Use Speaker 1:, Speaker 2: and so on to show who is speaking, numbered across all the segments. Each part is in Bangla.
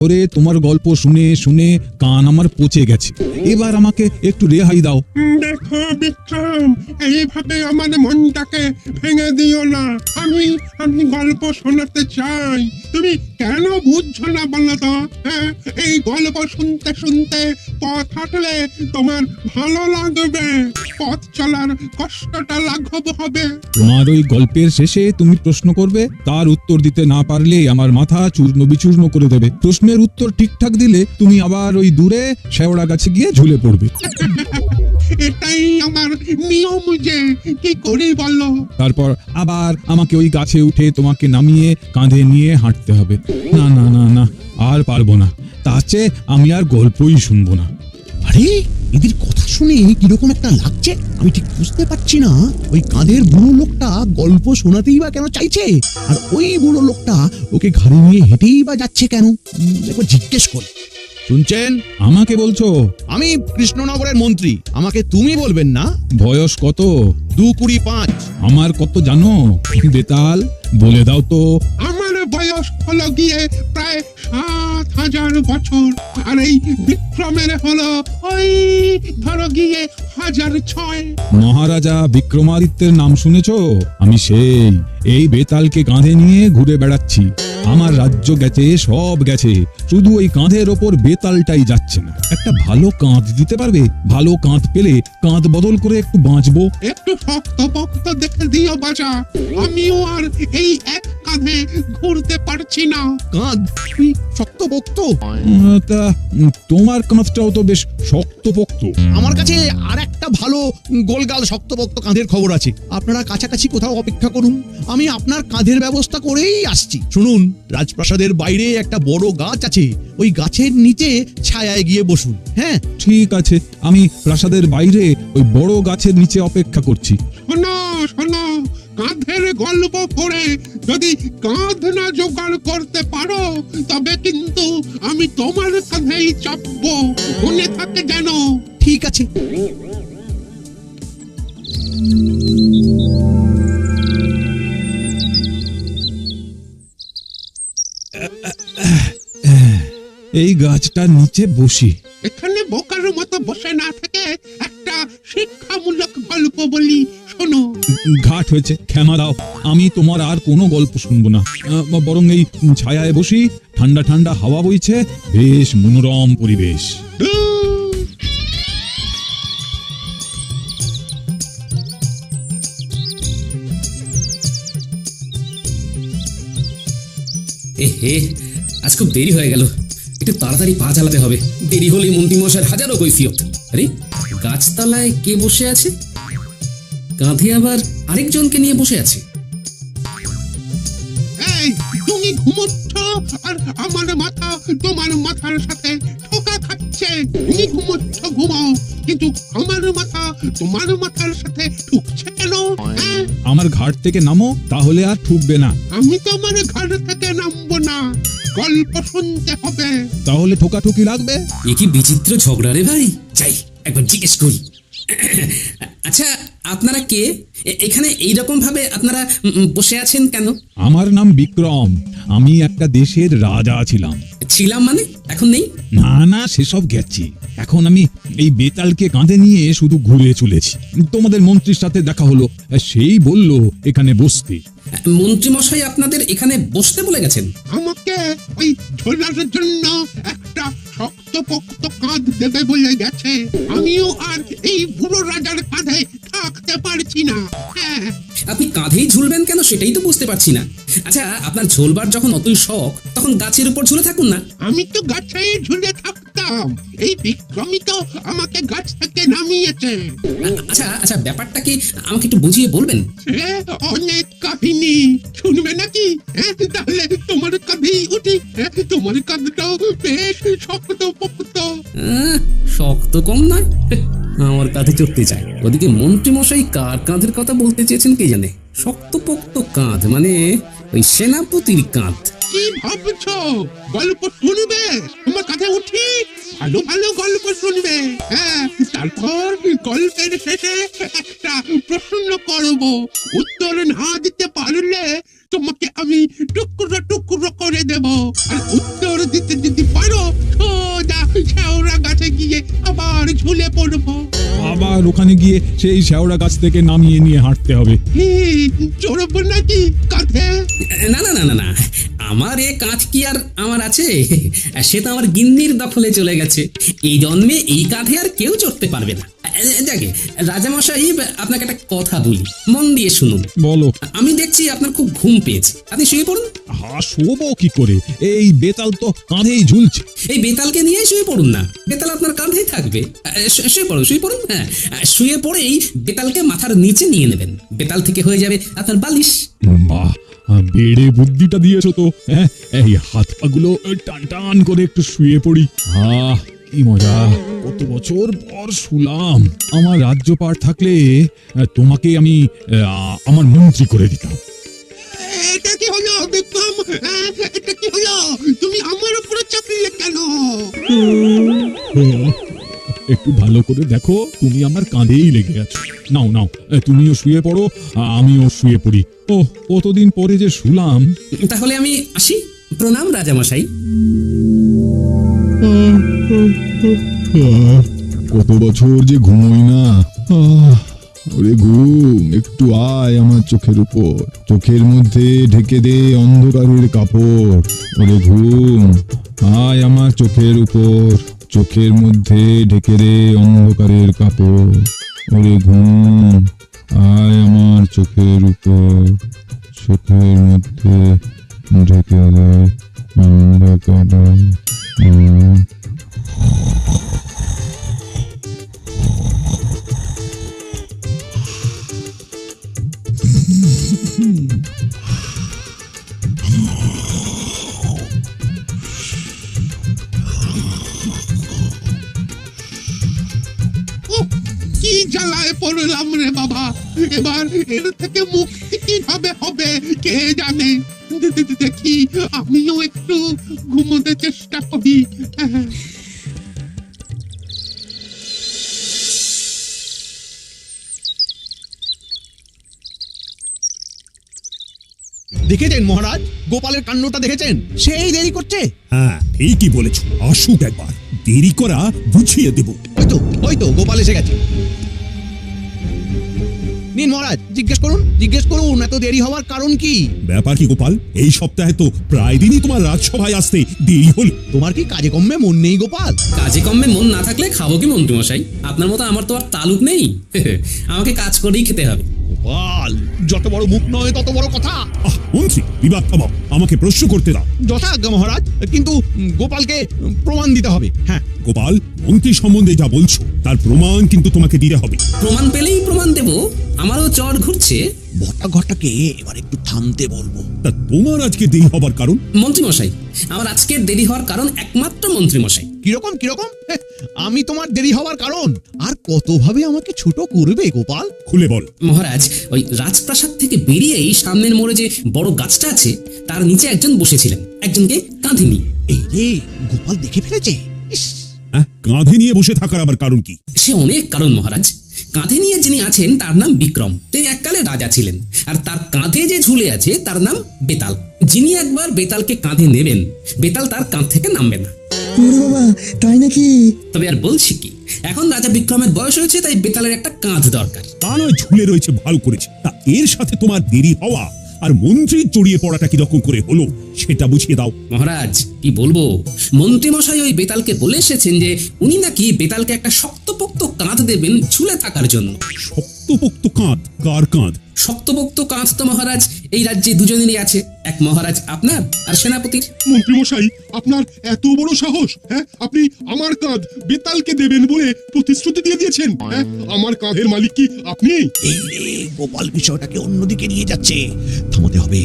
Speaker 1: ওরে তোমার গল্প শুনে শুনে কান আমার পচে গেছে, এবার আমাকে একটু রেহাই দাও।
Speaker 2: দেখো বিক্রম, এইভাবে আমার মনটাকে ভেঙে দিও না। আমি গল্প শোনাতে চাই, তুমি কেন বুঝছো না বলো তো? হ্যাঁ, এই গল্প শুনতে শুনতে পথ হাঁটলে তোমার ভালো লাগবে, পথ চলার কষ্টটা লাঘব হবে।
Speaker 1: তোমার ওই গল্পের শেষে তুমি প্রশ্ন করবে, তার উত্তর দিতে না পারলে আমার মাথা চূর্ণ বিচূর্ণ করে দেবে। প্রশ্নের উত্তর ঠিকঠাক দিলে তুমি আবার ওই দূরে শেওড়া গাছে গিয়ে ঝুলে পড়বে।
Speaker 2: এটাই আমার নিয়ম, যে কি করি বলো?
Speaker 1: তারপর আবার আমাকে ওই গাছে উঠে তোমাকে নামিয়ে কাঁধে নিয়ে হাঁটতে হবে। না না না না, আর পারবো না। তার চেয়ে আমি আর গল্পই শুনবো না।
Speaker 3: আরে এদের কথা শুনে কিরকম একটা লাগছে, আমি ঠিক বুঝতে পারছি না। ওই কাঁধের বুড়ো লোকটা গল্প শোনাতেই বা কেন চাইছে, আর ওই বুড়ো লোকটা ওকে ঘাড়ে নিয়ে হেঁটেই বা যাচ্ছে কেন? একবার জিজ্ঞেস করি। শুনছেন?
Speaker 1: আমাকে বলছো?
Speaker 3: আমি কৃষ্ণনগরের মন্ত্রী, আমাকে তুমি বলবেন না।
Speaker 1: বয়স কত?
Speaker 3: 225।
Speaker 1: আমার কত জানো বেতাল? বলে দাও তো।
Speaker 2: আমার বয়স হলো গিয়ে প্রায় 7,000 বছর, আর এই বিক্রমের হলো ওই ধরো গিয়ে 1,006।
Speaker 1: মহারাজা বিক্রমাদিত্যের নাম শুনেছো? আমি সেই এই বেতালকে কাঁধে নিয়ে ঘুরে বেড়াচ্ছি। আমার রাজ্য গেছে, সব গেছে, শুধু ওই কাঁধের ওপর বেতালটাই যাচ্ছে না। একটা ভালো কাঁধ দিতে পারবে? ভালো কাঁধ পেলে কাঁধ বদল করে একটু বাঁচবো।
Speaker 2: একটু শক্ত পক্ত দেখে দিও বাজা, আমিও আর এই এক কাঁধে ঘুরতে পারছি না।
Speaker 3: কাঁধ শক্তপোক্ত?
Speaker 1: তা তোমার কাঁধটাও তো বেশ শক্তপোক্ত।
Speaker 3: আমার কাছে আর একটা ভালো গোলগাল শক্তপোক্ত কাঁধের খবর আছে। আপনারা কাছাকাছি কোথাও অপেক্ষা করুন, আমি আপনার কাঁধের ব্যবস্থা করেই আসছি। শুনুন, রাজপ্রাসাদের বাইরে একটা বড় গাছ আছে, ওই গাছের নিচে ছায়ায় গিয়ে বসুন। হ্যাঁ,
Speaker 1: ঠিক আছে, আমি প্রাসাদের বাইরে ওই বড় গাছের নিচে অপেক্ষা করছি।
Speaker 2: শোনো শোনো, কাঁধের গল্প করে যদি কাঁধ না জোগাড় করতে পারো, তবে কিন্তু আমি তোমার কাঁধেই চাপবো, মনে থাকে যেন।
Speaker 3: ঠিক আছে।
Speaker 1: এই গাছটার নিচে বসি।
Speaker 2: এখানে বোকার মতো বসে না থেকে একটা শিক্ষামূলক গল্প বলি, শোনো।
Speaker 1: ঘাট হয়েছে, ক্ষমা দাও, আমি তোমার আর কোনো গল্প শুনবো না। বরং এই ছায়ায় বসি, ঠান্ডা ঠান্ডা হাওয়া বইছে, বেশ মনোরম পরিবেশ।
Speaker 4: এহে, আজ খুব দেরি হয়ে গেল, একটু তাড়াতাড়ি পা চালাতে হবে, দেরি হলে মন্ত্রীমশাইয়ের হাজারো কৈফিয়ত। আরে গাছতলায় কে বসে আছে? কাঁধে আবার আরেকজনকে নিয়ে বসে আছে।
Speaker 2: এই, তুমি ঘুমোচ্ছ আর আমার মাথা তোমার মাথার সাথে ঠোকা খাচ্ছে। তুমি ঘুমোচ্ছ, ঘুমাও, কিন্তু আমার মাথা তোমার মাথার সাথে ঠুকছে কেন? হ্যাঁ?
Speaker 1: আমার ঘাট থেকে নামো, তাহলে আর ঠুকবে না।
Speaker 2: আমি তোমার ঘর থেকে নামবো না, গল্প শুনতে হবে।
Speaker 1: তাহলে ঠোকাঠুকি লাগবে।
Speaker 4: এ কি বিচিত্র ঝগড়া রে ভাই, যাই একবার জিজ্ঞেস করি। আচ্ছা, আপনারা কে? এখানে এইরকম ভাবে আপনারা বসে আছেন কেন?
Speaker 1: আমার নাম বিক্রম, আমি একটা দেশের রাজা ছিলাম।
Speaker 4: ছিলাম মানে এখন নেই?
Speaker 1: না না, সেসব গেছি। এখন আমি এই বেতালকে কাঁধে নিয়ে শুধু ঘুরে চলেছি। তোমাদের মন্ত্রীর সাথে দেখা হলো, সেই বলল এখানে বসতে।
Speaker 4: মন্ত্রীমশাই আপনাদের এখানে বসতে বলে গেছেন?
Speaker 2: আমাকে ওই ঝোলার জন্য একটা শক্তপোক্ত কাঁধ দেবে বলে গেছে। আমিও আর এই বুড়ো রাজার কাঁধে থাকতে পারছি না। হ্যাঁ,
Speaker 4: আপনি কাঁধেই ঝুলবেন কেন সেটাই তো বুঝতে পারছি না। আচ্ছা, আপনার ঝোলবার যখন অতই শখ, তখন গাছের উপর ঝুলে থাকুন না।
Speaker 2: আমি তো গাছে ঝুলে থাকতাম, এই বিক্রমই তো আমাকে গাছ থেকে নামিয়েছে।
Speaker 4: আচ্ছা আচ্ছা, ব্যাপারটা কি আমাকে একটু বুঝিয়ে বলবেন?
Speaker 2: সে অনেক কাহিনী, শুনবে নাকি? হ্যাঁ, তাহলে তোমার কাঁধেই উঠি। হ্যাঁ, তোমার কাঁধটাও বেশ শক্তপোক্ত।
Speaker 4: শক্ত কম নয়, আমার কাঁধে চড়তে চায়। ওদিকে মন্ত্রীমশাই কার কাঁধের কথা বলতে চেয়েছেন কে জানে। শক্তপোক্ত কাঁধ মানে ওই সেনাপতির কাঁধ।
Speaker 2: কি ভাবছো? গল্প শুনবে? তোমার কাছে উঠি, ভালো ভালো গল্প শুনবে। হ্যাঁ, তারপর গল্পের শেষে একটা প্রশ্ন করব, উত্তর না দিতে পারলে তোমাকে আমি টুকরো টুকরো করে দেব। আর উত্তর দিতে যদি পারো সোজা শেওড়া গাছে গিয়ে আবার ঝুলে পড়বো।
Speaker 1: আবার ওখানে গিয়ে সেই শেওড়া গাছ থেকে নামিয়ে নিয়ে হাঁটতে হবে।
Speaker 2: চড়বো নাকি কাঁধে?
Speaker 4: না না না না না, আমার এ কাঁচ কি আর আমার আছে? সে তো আমার গিন্নির দখলে চলে গেছে। এই জন্মে এই কাঁধে আর কেউ চড়তে পারবে না। যাকে রাজামশাই, আপনাকে একটা কথা বলি, মন দিয়ে শুনুন।
Speaker 1: বলো।
Speaker 4: আমি দেখছি আপনার খুব ঘুম পেয়েছে, আপনি শুয়ে পড়ুন।
Speaker 1: শোবো কি করে? এই বেতাল তো কাঁধেই ঝুলছে।
Speaker 4: এই বেতালকে নিয়ে শুয়ে পড়ুন না, বেতাল আপনার কাঁধেই থাকবে। শুয়ে পড়ুন, শুয়ে পড়ুন। হ্যাঁ, শুয়ে পড়েই বেতালকে মাথার নিচে নিয়ে নেবেন, বেতাল থেকে হয়ে যাবে আপনার বালিশ।
Speaker 1: বাহ, বেড়ে বুদ্ধিটা দিয়েছো তো। হ্যাঁ, এই হাত পাগুলো টান টান করে একটু শুয়ে পড়ি। কি মজা! কত বছর পর শুলাম। আমার রাজ্যপাট থাকলে তোমাকে আমি আমার মন্ত্রী করে দিতাম।
Speaker 2: এটা কি হলো বিক্রম? এটা কি হলো? তুমি আমার উপরে চাপিয়ে কেন?
Speaker 1: একটু ভালো করে দেখো, তুমি আমার কাঁধেই লেগে আছো। নাও নাও, তুমিও শুয়ে পড়ো, আমিও শুয়ে পড়ি। ও, কতদিন পরে যে শুলাম।
Speaker 4: তাহলে আমি আসি। প্রণাম রাজামশাই।
Speaker 1: কত বছর যে ঘুমোই না। ওরে ঘুম, একটু আয় আমার চোখের উপর। চোখের মধ্যে ঢেকে দে অন্ধকারের কাপড়। ওরে ঘুম, আয় আমার চোখের উপর। চোখের মধ্যে ঢেকে দে অন্ধকারের কাপড়। ওরে ঘুম, আয় আমার চোখের উপর। চোখের মধ্যে ঢেকে দে অন্ধকারের।
Speaker 2: কি জ্বালায় পড়লাম রে বাবা! এবার এর থেকে মুক্তি কিভাবে হবে কে জানে। দেখি আমিও একটু ঘুমোতে চেষ্টা করি।
Speaker 3: দেখেছেন মহারাজ, গোপালের কাণ্ডটা দেখেছেন? সেই দেরি করছে।
Speaker 5: হ্যাঁ, ঠিকই বলেছ। আসুক একবার, দেরি করা বুঝিয়ে দেব।
Speaker 3: ওই তো গোপাল এসে গেছে। নিন মহারাজ, জিজ্ঞেস করুন এত দেরি হওয়ার কারণ কি?
Speaker 5: ব্যাপার কি গোপাল? এই সপ্তাহে তো প্রায় দিনই তোমার রাজসভায় আসতে দেরি হলো।
Speaker 3: তোমার কি কাজে কম্মে মন নেই গোপাল?
Speaker 4: কাজে কম্মে মন না থাকলে খাবো কি মন্ত্রীমশাই? আপনার মতো আমার তো আর তালুক নেই। আমাকে কাজ করেই খেতে হবে।
Speaker 3: গোপাল, যত বড় মুখ নয় তত বড় কথা।
Speaker 5: মন্ত্রী, বিবাদ থামাও, আমাকে প্রশ্ন করতে দাও।
Speaker 3: যথাজ্ঞা মহারাজ, কিন্তু গোপালকে প্রমাণ দিতে হবে। হ্যাঁ
Speaker 5: গোপাল, মন্ত্রী সম্বন্ধে যা বলছো তার প্রমাণ কিন্তু তোমাকে দিতে হবে।
Speaker 4: প্রমাণ পেলেই প্রমাণ দেব। আমারও চর ঘুরছে।
Speaker 3: ঘটাকে এবার একটু থামতে বলবো।
Speaker 5: তা তোমার আজকে দেরি হবার কারণ?
Speaker 4: মন্ত্রীমশাই, আমার আজকের দেরি হওয়ার কারণ একমাত্র মন্ত্রীমশাই।
Speaker 3: কিরকম? আমি তোমার দেরি হওয়ার কারণ? আর কতভাবে আমাকে ছোট করবে গোপাল?
Speaker 5: খুলে বল।
Speaker 4: মহারাজ, ওই রাজপ্রাসাদ থেকে বেরিয়েই সামনের মোড়ে যে বড় গাছটা আছে তার নিচে একজন বসেছিলেন, একজনকে কাঁধে নিয়ে।
Speaker 3: এই রে, গোপাল দেখে ফেলেছে। ইস,
Speaker 5: হ্যাঁ, কাঁধে নিয়ে বসে থাকার আবার কারণ কি?
Speaker 4: সে অনেক কারণ মহারাজ। কাঁধে নিয়ে যিনি আছেন তার নাম বিক্রম, তিনি এককালে রাজা ছিলেন। আর তার কাঁধে যে ঝুলে আছে তার নাম বেতাল। যিনি একবার বেতালকে কাঁধে নেবেন, বেতাল তার কাঁধ থেকে নামবে না।
Speaker 6: বাবা, তাই নাকি?
Speaker 4: তবে আর বলছি কি, এখন রাজা বিক্রমের বয়স হয়েছে, তাই বেতালের একটা কাঁধ দরকার।
Speaker 5: তা নয় ঝুলে রয়েছে, ভালো করেছে। তা এর সাথে তোমার দেরি হওয়া আর মন্ত্রীর জড়িয়ে পড়াটা কিরকম করে হলো সেটা বুঝিয়ে দাও।
Speaker 4: মহারাজ, কি বলবো, মন্ত্রীমশাই ওই বেতালকে বলে এসেছেন যে উনি নাকি বেতালকে একটা শক্তপোক্ত কাঁধ দেবেন ঝুলে থাকার জন্য।
Speaker 5: শক্তপোক্ত কাঁধ? কার কাঁধ?
Speaker 4: শক্তপোক্ত কাঁধ তো মহারাজ এই রাজ্যে দুজনেরই আছে, এক মহারাজ আপনার আর সেনাপতির।
Speaker 2: মন্ত্রীমশাই, আপনার এত বড় সাহস! হ্যাঁ, আপনি আমার কাঁধ বেতালকে দেবেন বলে প্রতিশ্রুতি দিয়ে দিয়েছেন। হ্যাঁ, আমার কাঁধের মালিক কি আপনি?
Speaker 3: এই রে, গোপাল বিষয়টাকে অন্যদিকে নিয়ে যাচ্ছে। থামাতে হবে।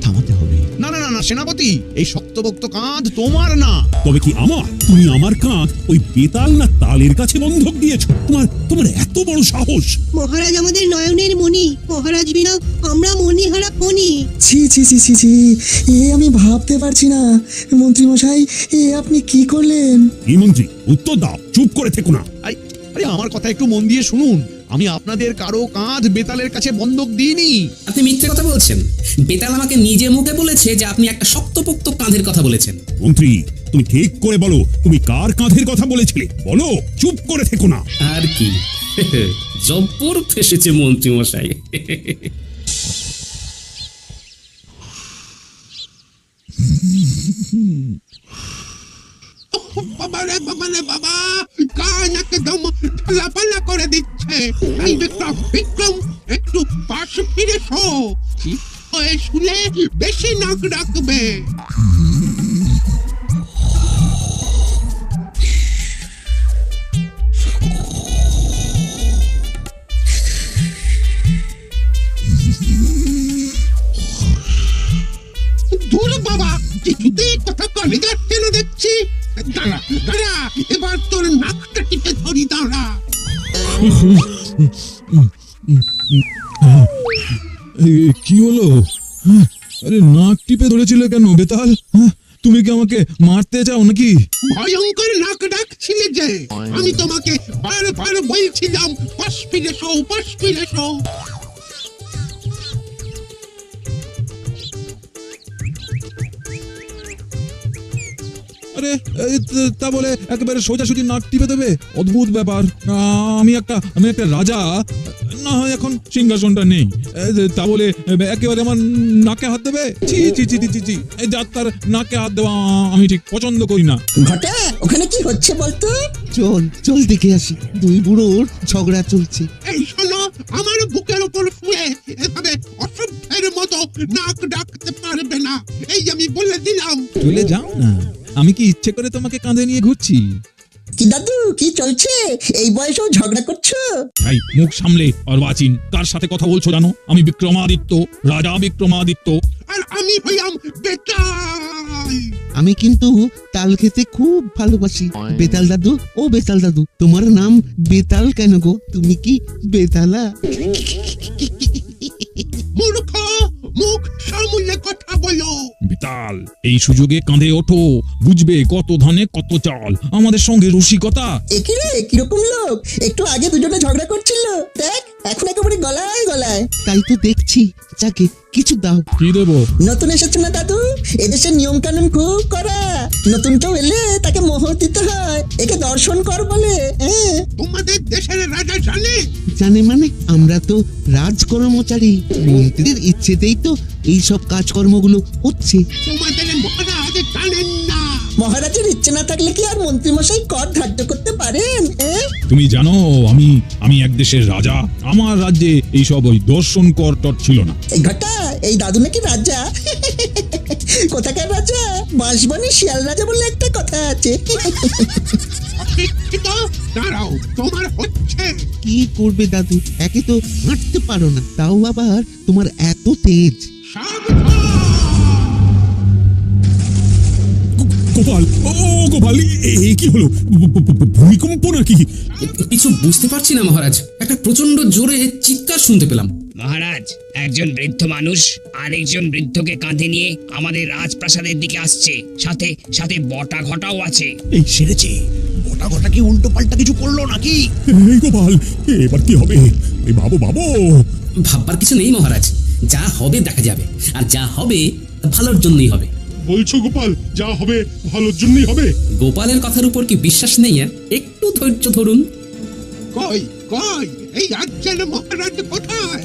Speaker 3: না, সেনাপতি, এই শক্তপোক্ত কাঁধ তোমার না।
Speaker 5: তবে কি আমার? তুমি আমার কাঁধ ওই বেতাল না তালের কাছে বন্ধক দিয়েছো? তোমার এত বড় সাহস!
Speaker 7: মহারাজ আমাদের নয়নের মণি, মহারাজ বিনা আমরা মণিহারা ফণি।
Speaker 6: ছি ছি ছি ছি ছি, এ আমি ভাবতে পারছি না। মন্ত্রী মশাই, এ আপনি কি করলেন?
Speaker 5: এই মন্ত্রী, উত্তর দাও, চুপ করে থেকো না।
Speaker 3: আরে আমার কথা একটু মন দিয়ে শুনুন। আমি আপনাদের কারো কাঁধ বেতালের কাছে বন্ধক দিইনি।
Speaker 4: আপনি মিথ্যে কথা বলছেন। বেতাল আমাকে নিজে মুখে বলেছে যে আপনি একটা শক্তপোক্ত কাঁধের কথা বলেছেন।
Speaker 5: মন্ত্রী, তুমি ঠিক করে বলো, তুমি কার কাঁধের কথা বলেছিলে? বলো, চুপ করে থেকো না।
Speaker 4: আর কি, জব্বর ফেসেছে মন্ত্রী মশাই।
Speaker 2: বাবা রে বাবা, কান একদম ঝালাপালা করে দিচ্ছে। এই বিক্রম একটু পাশ ফিরে শো। ওই শুলে বেশি নাক ডাকবে। দূর বাবা, কিছুতেই কথা কলে যাচ্ছে না দেখছি। দাঁড়া, এবার তোর নাকটা টিপে ধরি, দাঁড়া।
Speaker 1: কি হলো? আরে নাক টিপে ধরেছিলে কেন বেতাল? তুমি কি আমাকে মারতে চাও নাকি?
Speaker 2: ভয়ঙ্কর নাক ডাকছিলে যে, আমি তোমাকে বারবার বলছিলাম পাশ ফিরে শো, পাশ ফিরে শো।
Speaker 1: আরে তা বলে একেবারে সোজাসুজি নাক টিপে দেবে? অদ্ভুত ব্যাপার। আমি একটা রাজা, না হয় এখন সিংহাসনটা নেই, তা বলে একেবারে আমার নাকে হাত দেবে? ছি ছি ছি ছি ছি, এই যাত্রার নাকে হাত দেওয়া আমি ঠিক পছন্দ করি না।
Speaker 6: ঘটা, ওখানে কি হচ্ছে বলতো?
Speaker 3: চল চল দেখে আসি, দুই বুড়োর ঝগড়া চলছে।
Speaker 2: এই শোনো, আমার বুকের উপর শুয়ে এভাবে অসভ্যের মতো নাক ডাকতে পারবে না, এই আমি বলে দিলাম।
Speaker 1: চলে যাও না, আমি কি ইচ্ছে করে তোমাকে কাঁধে নিয়ে ঘুরছি?
Speaker 6: কি দাদু, কি চলছে? এই বয়সেও ঝগড়া করছো?
Speaker 1: ভাই মুখ সামলে অর্বাচীন, কার সাথে কথা বলছো জানো? আমি বিক্রমাদিত্য, রাজা বিক্রমাদিত্য।
Speaker 2: আর আমি হইলাম বেতাল।
Speaker 3: আমি কিন্তু তাল খেতে খুব ভালোবাসি। বেতাল দাদু, ও বেতাল দাদু, তোমার নাম বেতাল কেন গো? তুমি কি বেতালা?
Speaker 2: মূর্খ, মুখ সামলে কথা বলো।
Speaker 1: বেতাল, এই সুযোগে কাঁধে ওঠো, বুঝবে কত ধানে কত চাল। আমাদের সঙ্গে রসিকতা।
Speaker 6: একই রে, কিরকম লোক? একটু আগে দুজনে ঝগড়া করছিল, দেখ এখন একেবারে গলায় গলায়।
Speaker 3: তাই তো দেখছি। যাকে কিছু দাও।
Speaker 1: কি দেবো?
Speaker 6: নতুন এসেছে না দাদু, এদেশের নিয়ম কানুন খুব করা। নতুন কেউ এলে তাকে মোহর দিতে হয়, একে দর্শন কর বলে।
Speaker 2: তোমাদের দেশের রাজা জানে?
Speaker 3: জানে মানে? আমরা তো রাজকর্মচারী, মন্ত্রীর ইচ্ছেতেই তো এই সব কাজকর্মগুলো হচ্ছে।
Speaker 2: তোমাদের মহারাজ জানেন না?
Speaker 6: মহারাজের ইচ্ছে না থাকলে কি আর মন্ত্রীমশাই কর ধার্য করতে পারেন?
Speaker 1: তুমি জানো আমি এক দেশের রাজা। আমার রাজ্যে এইসব ওই দর্শন কর টর ছিল না।
Speaker 6: এই ঘটা, এই দাদু নাকি রাজা? কোথাকার রাজা? বাঁশবনে শিয়াল রাজা বলে একটা কথা আছে।
Speaker 2: অশিক্ষিত, দাঁড়াও, তোমার হচ্ছে।
Speaker 3: কি করবে দাদু? একে তো হাঁটতে পারো না, তাও আবার তোমার এত তেজ।
Speaker 5: গোপাল, ও গোপাল, এই কি হলো? ভূমিকম্প নাকি?
Speaker 4: কিছু বুঝতে পারছি না মহারাজ, একটা প্রচন্ড জোরে চিৎকার শুনতে পেলাম।
Speaker 8: মহারাজ, একজন বৃদ্ধ মানুষ আরেকজন বৃদ্ধকে কাঁধে নিয়ে আমাদের রাজপ্রাসাদের দিকে আসছে, সাথে সাথে বটা ঘটাও আছে।
Speaker 3: এই সেরেছে, গোটা গোটা কি উল্টো পাল্টা কিছু করলো নাকি?
Speaker 5: এই গোপাল, এবার কি হবে? এই ভাবো।
Speaker 4: ভাববার কিছু নেই মহারাজ, যা হবে দেখা যাবে, আর যা হবে তা ভালোর জন্যই হবে।
Speaker 2: বলছো গোপাল, যা হবে ভালোর জন্যই হবে?
Speaker 4: গোপালের কথার উপর কি বিশ্বাস নেই? একটু ধৈর্য ধরুন।
Speaker 2: কই কই এই রাজ্যের মহারাজ কোথায়?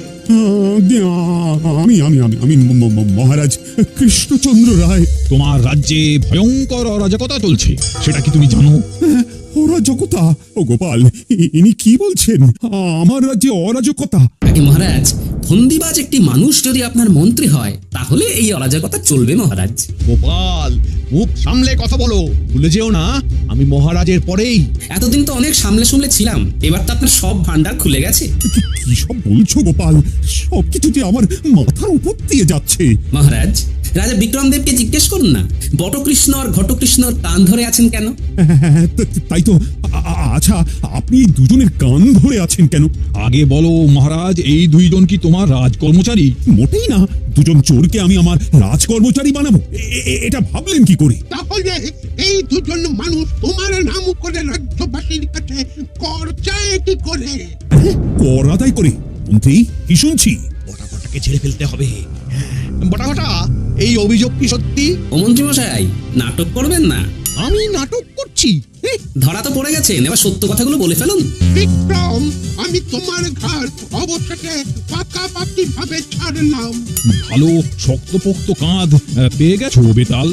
Speaker 5: আমি মহারাজ কৃষ্ণচন্দ্র রায়।
Speaker 1: তোমার রাজ্যে ভয়ঙ্কর অরাজকতা চলছে, সেটা কি তুমি জানো?
Speaker 5: অরাজকতা? ও গোপাল, ইনি কি বলছেন? আমার রাজ্যে অরাজকতা?
Speaker 4: আগে মহারাজ, ফন্দিবাজ একটি মানুষ যদি আপনার মন্ত্রী হয় তাহলে এই অরাজকতা চলবে মহারাজ।
Speaker 3: গোপাল, মুখ সামলে কথা বলো, ভুলে যেও না আমি মহারাজের পরেই।
Speaker 4: এতদিন তো অনেক সামলে ছিলাম, এবার তো আপনার সব ভান্ডার খুলে গেছে।
Speaker 5: কি সব বলছো গোপাল? সবকিছু যে আমার মাথার উপর দিয়ে যাচ্ছে।
Speaker 4: মহারাজ, রাজা বিক্রমদেবকে জিজ্ঞেস করুন না, বটকৃষ্ণ আর ঘটকৃষ্ণর কান ধরে আছেন কেন?
Speaker 5: তাই তো আচ্ছা, আপনি এই দুজনের কান ধরে আছেন কেন?
Speaker 1: আগে বলো মহারাজ, এই দুইজন কি তোমার রাজকর্মচারী?
Speaker 5: মোটেই না। দুজন চোরকে আমি আমার রাজকর্মচারী বানাবো, এটা ভাবলেন কি করে?
Speaker 2: তাহলে এই দুজন মানুষ তোমার নাম করে রাজ্যবাসীর কাছে কর চায় কি করে?
Speaker 5: কর আদায় করে? মন্ত্রী, কি শুনছি?
Speaker 3: বটাঘটাকে ছেড়ে ফেলতে হবে। বটাঘটা, এই অভিযোগ কি সত্যি?
Speaker 4: ও মন্ত্রী মশাই, নাটক করবেন না।
Speaker 3: আমি নাটক করছি?
Speaker 4: ধরা তো পড়ে গেছেন, এবার সত্য কথাগুলো বলে ফেলুন।
Speaker 2: বিক্রম, আমি তোমার ঘর অবশেষে পাকাপাকি ভাবে ছাড়লাম।
Speaker 1: ভালো শক্তপোক্ত কাঁধ পেয়ে গেছো বেতাল?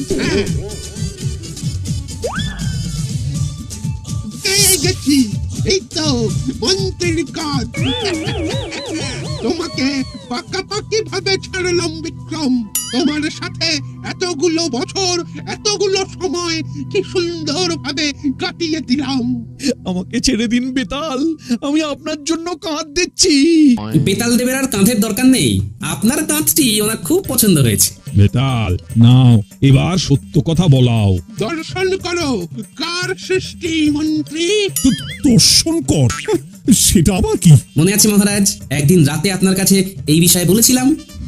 Speaker 2: পেয়ে গেছি, এই তো মন্ত্রীর কাজ। তোমাকে পাকাপাকি ভাবে ছাড়লাম বিক্রম। তোমার সাথে এতগুলো বছর, এতগুলো সময় কি সুন্দর ভাবে কাটিয়ে দিলাম।
Speaker 3: আমাকে ছেড়ে দিন বেতাল, আমি আপনার জন্য কাঁধ দিচ্ছি।
Speaker 4: বেতাল দেবের আর কাঁধের দরকার নেই, আপনার কাঁধটি ওনার খুব পছন্দ হয়েছে।
Speaker 1: বেতাল নাও, এবার সত্য কথা বলাও।
Speaker 2: দর্শন করো কার সৃষ্টি মন্ত্রী।
Speaker 5: দর্শন কর? সেটা আবার কি?
Speaker 4: মনে আছে মহারাজ, একদিন রাতে আপনার কাছে এই বিষয়ে বলেছিলাম।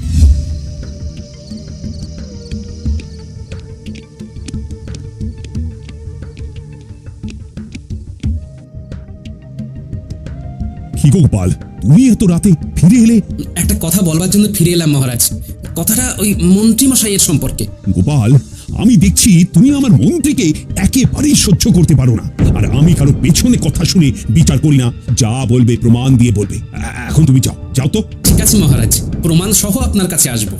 Speaker 5: কি গোপাল, তুমি এত রাতে ফিরে এলে?
Speaker 4: একটা কথা বলবার জন্য ফিরে এলাম মহারাজ। কথাটা ওই মন্ত্রী মশাইয়ের সম্পর্কে।
Speaker 5: গোপাল, আমি দেখছি তুমি আমার মন্ত্রীকে একেবারেই সহ্য করতে পারো না। আর আমি কারো পেছনে কথা শুনে বিচার করি না। যা বলবে প্রমাণ দিয়ে বলবে। এখন তুমি যাও, যাও তো।
Speaker 4: ঠিক আছে মহারাজ, প্রমাণ সহ আপনার কাছে আসব।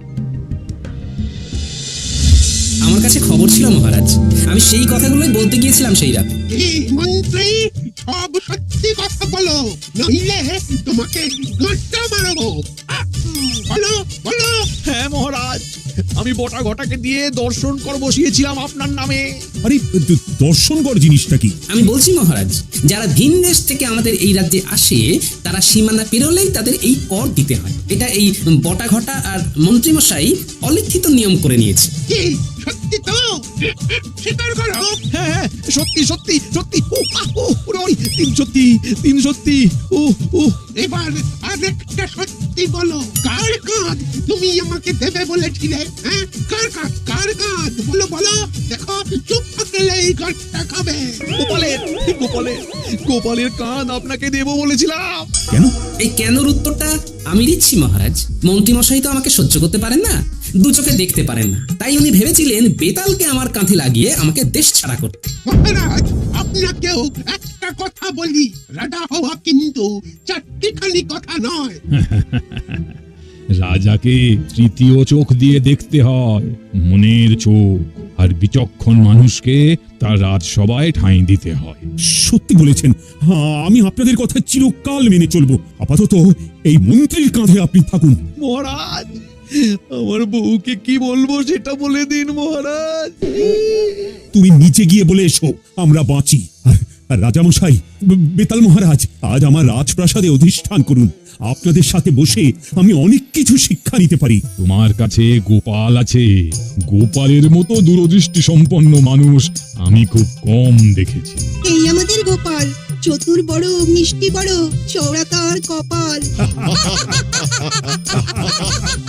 Speaker 4: আমার কাছে খবর ছিল মহারাজ, আমি সেই কথাগুলোই বলতে গিয়েছিলাম সেই রাতে।
Speaker 2: এই মন্ত্রী, সব সত্যি কথা বলো, নইলে তোমাকে গাঁটটা মারবো। বলো বলো।
Speaker 3: হ্যাঁ মহারাজ, আমি বটাঘটাকে দিয়ে দর্শন কর বসিয়েছিলাম আপনার নামে।
Speaker 5: আরে দর্শন কর জিনিসটা কি?
Speaker 4: আমি বলছি মহারাজ, যারা ভিন দেশ থেকে আমাদের এই রাজ্যে আসে, তারা সীমানা পেরোলেই তাদের এই কর দিতে হয়। এটা এই বটাঘটা আর মন্ত্রীমশাই অলিখিত নিয়ম করে নিয়েছে।
Speaker 2: কি সত্যি তো? স্বীকার করো।
Speaker 3: হ্যাঁ হ্যাঁ, সত্যি সত্যি সত্যি। তিন সত্যি, তিন সত্যি।
Speaker 2: এবার আরেকটা সত্যি বলো, কার কাঁধ তুমি আমাকে দেবে বলেছিলে? হ্যাঁ, কার কাঁধ, কার কাঁধ বলো বলো। দেখো, চুপ থাকলে এই গাঁটটা খাবে।
Speaker 3: গোপালের, গোপালের, গোপালের কাঁধ আপনাকে দেবো বলেছিলাম।
Speaker 5: কেন?
Speaker 4: এই কেনর উত্তরটা আমি দিচ্ছি মহারাজ। মন্ত্রীমশাই তো আমাকে সহ্য করতে পারেন না, দু চোখে দেখতে পারেন না, তাই উনি ভেবেছিলেন বেতালকে আমার কাঁধে লাগিয়ে আমাকে দেশ ছাড়া করতে।
Speaker 2: মহারাজ, আপনাকেও একটা কথা বলি, রাজা হওয়া কিন্তু চারটিখানি কথা নয়।
Speaker 1: রাজাকে তৃতীয় চোখ দিয়ে দেখতে হয়, মনের চোখ। আর বিচক্ষণ মানুষকে তার রাজসভায় ঠাঁই দিতে হয়।
Speaker 5: সত্যি বলেছেন। আমি আপনাদের কথা চিরকাল মেনে চলবো। আপাতত এই মন্ত্রীর কাঁধে আপনি থাকুন।
Speaker 3: মহারাজ, আমার বউকে কি বলবো সেটা বলে দিন মহারাজ।
Speaker 5: তুমি নিচে গিয়ে বলে এসো, আমরা বাঁচি। আর রাজামশাই, বেতাল মহারাজ, আজ আমার রাজপ্রাসাদে অধিষ্ঠান করুন। আপনাদের সাথে বসে আমি অনেক কিছু শিক্ষা নিতে পারি।
Speaker 1: তোমার কাছে গোপাল আছে, গোপালের মতো দূরদৃষ্টি সম্পন্ন মানুষ আমি খুব কম দেখেছি।
Speaker 7: এই আমাদের গোপাল, চতুর বড়, মিষ্টি বড়, চওড়া তার কপাল।